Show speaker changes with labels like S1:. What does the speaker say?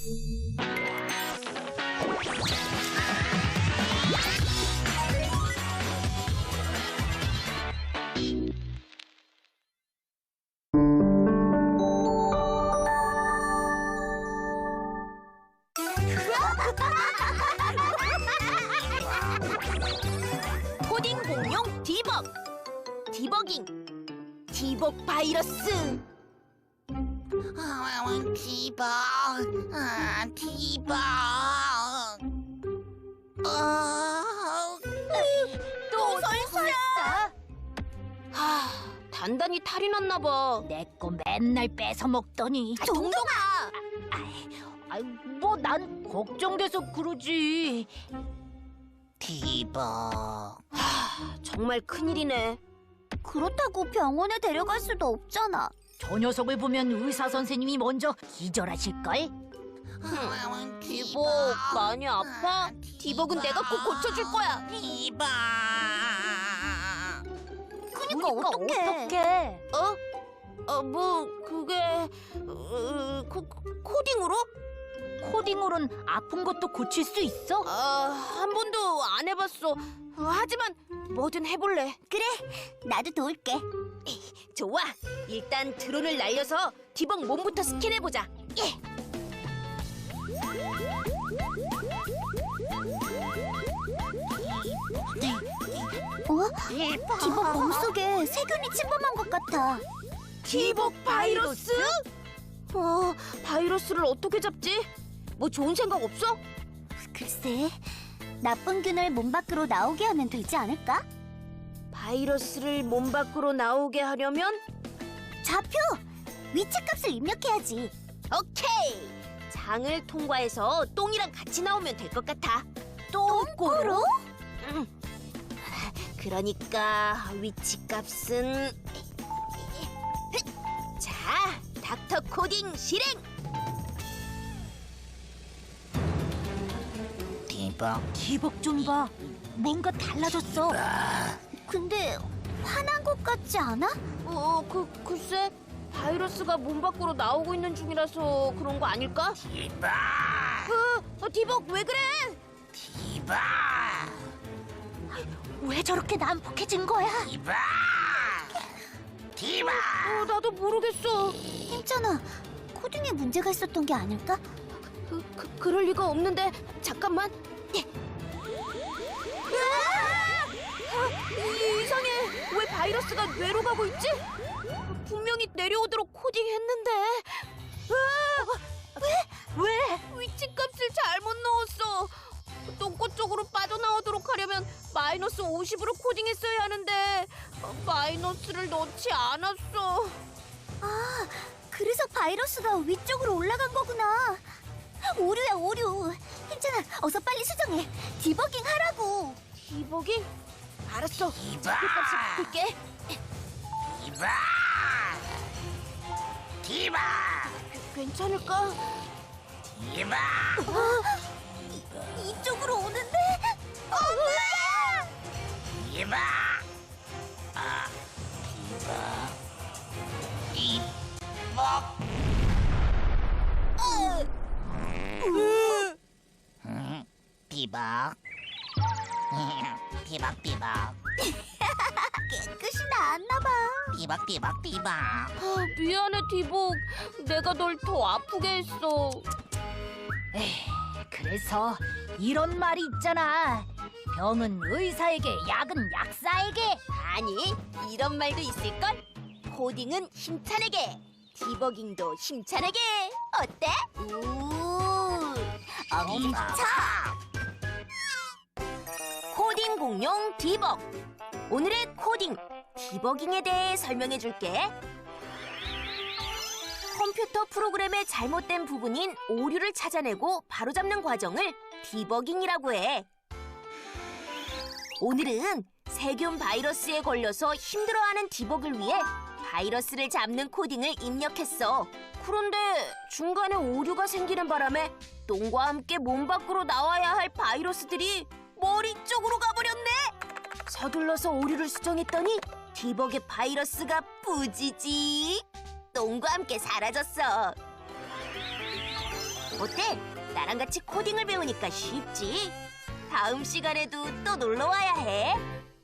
S1: 코딩 공룡 디벅, 디버깅, 디벅 바이러스.
S2: 디벅, 디벅.
S1: 또 설사야. 단단히 탈이 났나 봐.
S3: 내 거 맨날 뺏어 먹더니.
S1: 동동아.
S3: 뭐 난 걱정돼서 그러지.
S2: 디벅.
S1: 정말 큰일이네.
S4: 그렇다고 병원에 데려갈 수도 없잖아.
S3: 저 녀석을 보면 의사 선생님이 먼저 기절하실걸?
S1: 디벅 많이 아파? 디벅은 내가 꼭 고쳐줄 거야.
S2: 디벅.
S4: 그니까 어떡해.
S1: 뭐 그게 코딩으로?
S3: 코딩으로는 아픈 것도 고칠 수 있어?
S1: 한 번도 안 해봤어. 하지만 뭐든 해볼래.
S4: 그래, 나도 도울게.
S1: 좋아. 일단 드론을 날려서 디벅 몸부터 스캔해보자. 예.
S4: 디벅 몸속에 세균이 침범한 것 같아.
S1: 디벅 바이러스? 바이러스를 어떻게 잡지? 뭐 좋은 생각 없어?
S4: 글쎄, 나쁜 균을 몸 밖으로 나오게 하면 되지 않을까?
S1: 바이러스를 몸 밖으로 나오게 하려면?
S4: 좌표! 위치값을 입력해야지.
S1: 오케이! 장을 통과해서 똥이랑 같이 나오면 될 것 같아.
S4: 똥꼬로?
S1: 응. 그러니까 위치값은... 자, 닥터 코딩 실행!
S2: 디벅.
S3: 디벅 좀 봐. 뭔가 달라졌어.
S4: 근데 화난 것 같지 않아?
S1: 글쎄 바이러스가 몸 밖으로 나오고 있는 중이라서 그런 거 아닐까?
S2: 디벅.
S1: 디벅 왜 그래?
S2: 디벅.
S3: 왜 저렇게 난폭해진 거야?
S2: 디벅. 디벅.
S1: 나도 모르겠어.
S4: 힘잖아. 코딩에 문제가 있었던 게 아닐까?
S1: 그럴 리가 없는데 잠깐만. 이상해. 왜 바이러스가 뇌로 가고 있지? 분명히 내려오도록 코딩했는데. 왜? 위치값을 잘못 넣었어. 똥꼬 쪽으로 빠져나오도록 하려면 마이너스 50으로 코딩했어야 하는데 마이너스를 넣지 않았어.
S4: 그래서 바이러스가 위쪽으로 올라간 거구나. 오류야, 오류. 힘잖아, 어서 빨리 수정해. 디버깅 하라고.
S1: 디버깅? 알았어.
S2: 디벅.
S1: 값을 바꿀게.
S2: 디벅. 디벅.
S1: 괜찮을까?
S2: 디벅.
S4: 이쪽으로 오는데? 엄마!
S2: 디벅. 디벅. 디벅. 디벅. 디벅.
S4: 깨끗이 나았나 봐.
S2: 디벅. 디벅. 디벅.
S1: 미안해 디복. 내가 널 더 아프게 했어.
S3: 그래서 이런 말이 있잖아. 병은 의사에게, 약은 약사에게.
S1: 아니, 이런 말도 있을걸? 코딩은 힘차내게, 디버깅도 힘차내게. 어때?
S4: 엄청.
S1: 코딩 공룡 디벅. 오늘의 코딩, 디버깅에 대해 설명해줄게. 컴퓨터 프로그램의 잘못된 부분인 오류를 찾아내고 바로잡는 과정을 디버깅이라고 해. 오늘은 세균 바이러스에 걸려서 힘들어하는 디벅을 위해 바이러스를 잡는 코딩을 입력했어. 그런데 중간에 오류가 생기는 바람에 똥과 함께 몸 밖으로 나와야 할 바이러스들이 머리 쪽으로 가버렸네. 서둘러서 오류를 수정했더니 디벅의 바이러스가 뿌지직 똥과 함께 사라졌어. 어때? 나랑 같이 코딩을 배우니까 쉽지? 다음 시간에도 또 놀러 와야 해.